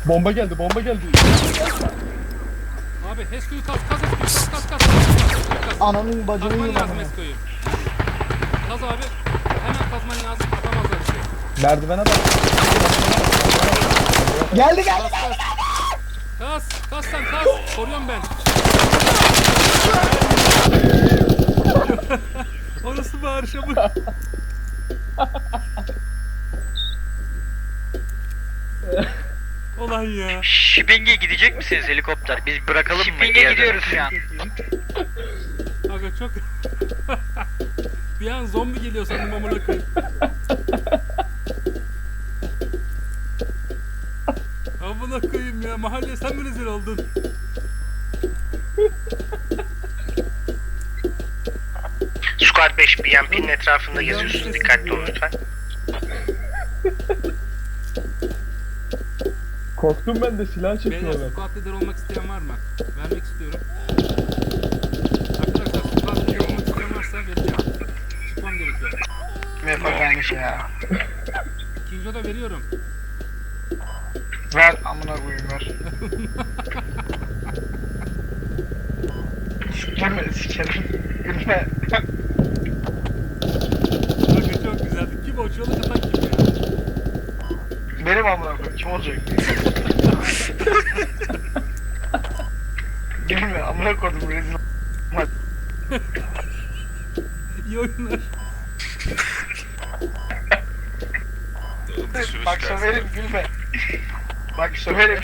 Bomba geldi, bomba geldi. Abi Hesko'yu kas Hesko'yu kas. Ananın bacını Kazman yiyeyim lazım amına. Hesko'yu. Kaz abi. Hemen kazman lazım. Atamazlar bir şey. Merdivene bak. Geldi. Kas sen kas. Koruyorum ben. Orası bağırışa bu. Olan ya. Shipping'e gidecek misiniz helikopter? Biz bırakalım mı? Shipping'e gidiyoruz şu an. Aga çok... Bir an zombi geliyor sandım amına koyayım. Amına koyayım ya. Mahalleye sen mi rezil oldun? Squad 5 BMP'nin etrafında geziyorsunuz. Dikkatli olun lütfen. Korktum ben de silah Beyler çekiyorlar. squad leader olmak isteyen var mı? Vermek istiyorum. Arkadaşlar squad leader olmak isteyen varsa vereceğim. Çıkmam gerekiyor. Vermiş ya. İkinci oda veriyorum. Ver amına koyayım ver. Gülme sikerim. Gülme. Aga çok güzeldi. Kim o? Çığlık atan kim ya? Benim amına koyayım kim olacak? Gülme amına koydum rezil. İyi oyunlar. Bak söverim gülme. Bak söverim.